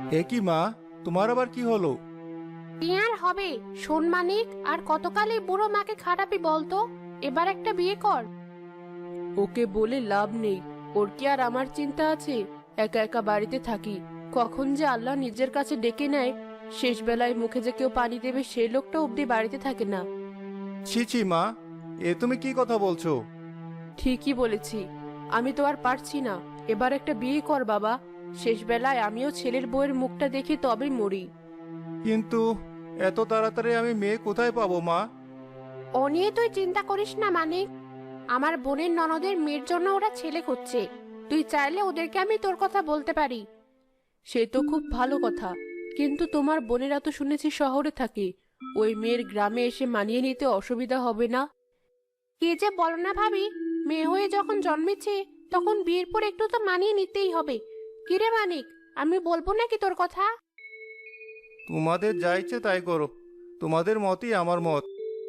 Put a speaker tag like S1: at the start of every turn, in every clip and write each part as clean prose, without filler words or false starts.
S1: এ কি মা, তোমার আবার কি হলো?
S2: কি আর হবে, শোন মানিক, আর কতকাল এই বুড়ো মাকে খাটাবি বলতো? এবার একটা বিয়ে কর। ওকে বলে লাভ নেই, ওর কি আর আমার চিন্তা আছে? একা একা বাড়িতে থাকি, কখন যে আল্লাহ নিজের কাছে ডেকে নেয়। শেষ বেলায় মুখে যে কেউ পানি দেবে সেই লোকটা অব্দি বাড়িতে থাকে না।
S1: ছি ছি মা, এ তুমি কি কথা বলছো?
S2: ঠিকই বলেছি, আমি তো আর পারছি না। এবার একটা বিয়ে কর বাবা, শেষ বেলায় আমিও ছেলের বউয়ের মুখটা দেখি তবেই মরি।
S1: কিন্তু এত তাড়াতাড়ি আমি মেয়ে কোথায় পাবো মা?
S2: ও নিয়ে তুই চিন্তা করিস না মানিক, আমার বোনের ননদের মেয়ের জন্য ওরা ছেলে খুঁজছে। তুই চাইলে ওদেরকে আমি তোর কথা বলতে পারি। সে তো খুব ভালো কথা, কিন্তু তোমার বোনেরা তো শুনেছি শহরে থাকে, ওই মেয়ের গ্রামে এসে মানিয়ে নিতে অসুবিধা হবে না? কে যে বলো না ভাবি, মেয়ে হয়ে যখন জন্মেছে তখন বিয়ের পর একটু তো মানিয়ে নিতেই হবে। কিরে মানিক, আমি বলবো নাকি তোর কথা?
S1: তোমাদের যা ইচ্ছে তাই করো, তোমাদের মতই আমার মত।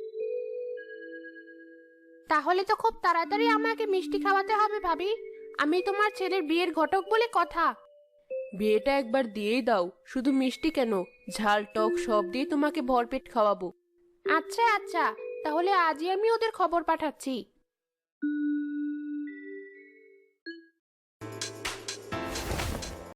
S2: তাহলে তো খুব তাড়াতাড়ি আমাকে মিষ্টি খাওয়াতে হবে ভাবি, আমি তোমার ছেলের বিয়ের ঘটক বলে কথা। বিয়েটা একবার দিয়েই দাও, শুধু মিষ্টি কেন, ঝাল টক সব দিয়ে তোমাকে ভরপেট খাওয়াবো। আচ্ছা আচ্ছা, তাহলে আজই আমি ওদের খবর পাঠাচ্ছি।